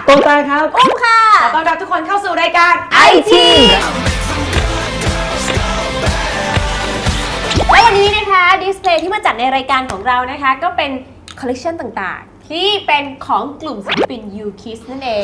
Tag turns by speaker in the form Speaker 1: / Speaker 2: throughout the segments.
Speaker 1: โตตาครับ
Speaker 2: อุ้มค่ะ
Speaker 3: ขอต้อนรับทุกคนเข้าสู่รายการ
Speaker 2: IT และวันนี้นะคะดิสเพลย์ที่มาจัดในรายการของเรานะคะก็เป็นคอลเลคชันต่างๆที่เป็นของกลุ่มศิลปิน U-KISS นั่นเอง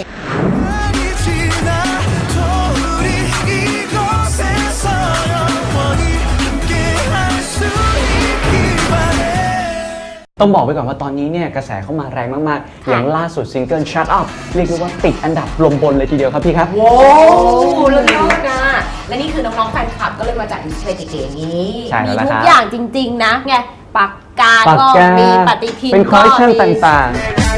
Speaker 1: ต้องบอกไว้ก่อนว่าตอนนี้เนี่ยกระแสเข้ามาแรงมากๆอย่างล่าสุดซิงเกิล Shut Up เรียกได้ว่าติดอันดับลมบนเลยทีเดียวครับพี่ครับ
Speaker 3: โว้เรื่องนี้นะและนี่คือน้องๆแฟนคลับก็เลยมาจัดดิสเพลย์เก๋ๆอย่างนี้
Speaker 1: ใช่
Speaker 2: มี
Speaker 1: แล้ว
Speaker 2: ทุ
Speaker 1: ค
Speaker 2: ก
Speaker 1: รับ
Speaker 2: อย่างจริงๆนะไงปากกาก็มีปฏิทิน
Speaker 1: เป็นคอลเลคชัน
Speaker 2: ก็มี
Speaker 1: ต่างๆ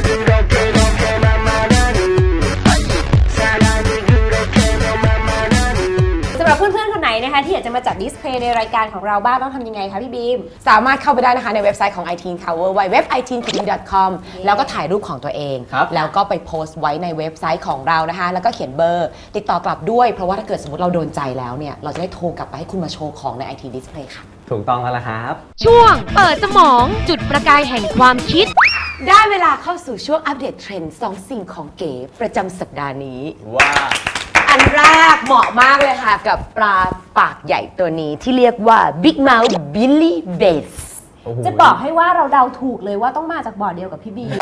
Speaker 2: สำหรับเพื่อนๆคนไหนนะคะที่อยากจะมาจัดดิสเพลย์ในรายการของเราบ้างต้องทำยังไงคะพี่บีม
Speaker 3: สามารถเข้าไปได้นะคะในเว็บไซต์ของ iTeen Cover www.iteencover.com แล้วก็ถ่ายรูปของตัวเอง แล้วก็ไปโพสต์ไว้ในเว็บไซต์ของเรานะคะแล้วก็เขียนเบอร์ติดต่อกลับด้วยเพราะว่าถ้าเกิดสมมติเราโดนใจแล้วเนี่ยเราจะได้โทรกลับไปให้คุณมาโชว์ของใน iTeen Display ค่ะ
Speaker 1: ถูกต้องแล้วล่ะครับ
Speaker 4: ช่วงเปิดสมองจุดประกายแห่งความคิด
Speaker 3: ได้เวลาเข้าสู่ช่วงอัปเดตเทรนด์2สิ่งของเก๋ประจำสัปดาห์นี้
Speaker 1: ว้า
Speaker 3: อันแรกเหมาะมากเลยค่ะกับปลาปากใหญ่ตัวนี้ที่เรียกว่า Big Mouth Billy Bass
Speaker 2: จะบอกให้ว่าเราเดาถูกเลยว่าต้องมาจากบ่อเดียวกับพี่บีม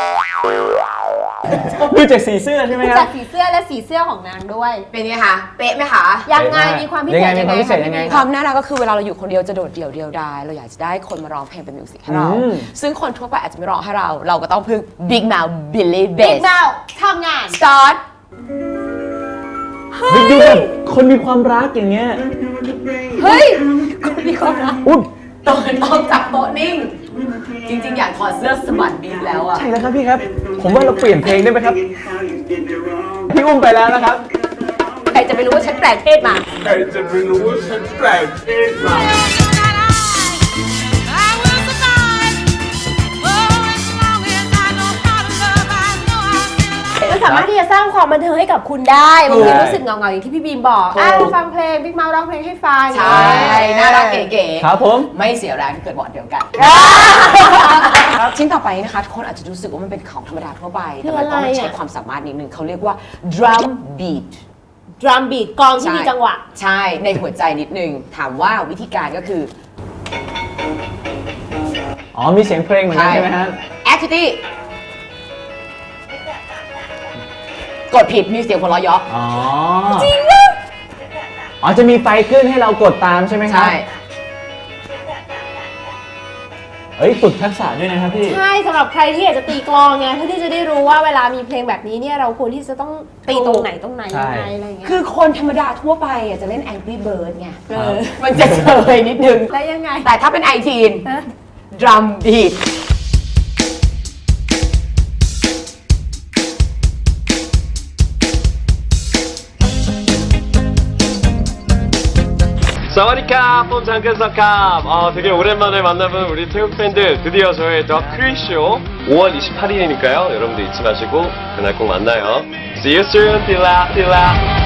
Speaker 1: ดูจากสีเสื้อใช่ไหมค
Speaker 2: จา
Speaker 1: รั
Speaker 2: ก
Speaker 1: บ
Speaker 2: สีเสื้อและสีเสื้อของนางด้วย
Speaker 3: เป็นไงคะ เป๊ะไหมคะ
Speaker 2: ยังไงมีความพิเศษ
Speaker 1: ยังไงมีความพิเศษยังไง
Speaker 3: ความน่ารักก็คือเวลาเราอยู่คนเดียวจะโดดเดี่ยวเดียวดายเราอยากจะได้คนมาร้องเพลงเป็นมิวสิกให้เรา ซึ่งคนทั่วไปอาจจะไม่ร้องให้เราก็ต้องพึ่ง Big Mouth Billy
Speaker 2: บิ๊ก
Speaker 3: Bass
Speaker 2: เมาทำงาน
Speaker 3: Start
Speaker 1: ดูแบบคนมีความรักอย่างเงี้ย
Speaker 3: เฮ้ยคนมีความรัก
Speaker 1: อุ๊ย
Speaker 3: ตอนออกจากโต๊ะนิ่ง จริงๆ อยากถอดเสื้อสะบัดบีมแล้วอะ
Speaker 1: ใช่แล้วครับพี่ครับ ผมว่าเราเปลี่ยนเพลงได้ไหมครับ พี่อุ้มไปแล้วนะครับ
Speaker 3: ใครจะไปรู้ว่าฉันแปลกเพศมา
Speaker 5: ใครจะไปรู้ว่าฉันแปลกเพศมา
Speaker 2: มันสามารถที่จะสร้างความบันเทิงให้กับคุณได้บางทีรู้สึกเหงาๆอย่างที่พี่บีมบอกฟังเพลงบิ๊กเมาร้องเพลงให้ฟัง
Speaker 3: ใช่ น่ารักเก๋ๆ
Speaker 1: ครับผม
Speaker 3: ไม่เสียแรงที่เกิดบอร์ดเดียวกัน ชิ้นต่อไปนะคะทุกคนอาจจะรู้สึกว่ามันเป็นของธรรมดาทั่วไป แต่มันต้องใช้ความสามารถนิดนึงเขาเรียกว่า drum beat
Speaker 2: ดรัมบีทกลองที่มีจังหวะ
Speaker 3: ใช่ ในหัวใจนิดนึง ถามว่าวิธีการก็คือ
Speaker 1: อ๋อมีเสียงเพลงเหมือนกันใช่ไหมฮะ
Speaker 3: activity กดผิดมีเสียงหัวเราะเยาะ
Speaker 1: อ๋อ จริงเหรออ๋อจะมีไฟขึ้นให้เรากดตามใช่ไหมครับ
Speaker 3: ใช่
Speaker 1: เอ้ยฝึกทักษะด้วยนะครับพี่
Speaker 2: ใช่สำหรับใครที่อยากจะตีกลองไงเพื่อที่จะได้รู้ว่าเวลามีเพลงแบบนี้เนี่ยเราควรที่จะต้องตีตรงไหนยังไงอะไรอย่างเงี้ย
Speaker 3: คือคนธรรมดาทั่วไปอ่ะจะเล่น Angry Bird ไงมันจะเฉยนิดนึง
Speaker 2: แล้วยังไง
Speaker 3: แต่ถ้าเป็นไอทีน
Speaker 2: ฮะ
Speaker 3: drum beat
Speaker 6: สวัสดีครับผม장근석ครับ되게 오랜만에 만나본 우리 태국 팬들 드디어 저의 더 크리쇼 5월 28일이니까요 여러분들 잊지 마시고 그날 꼭 만나요 See you soon 딜라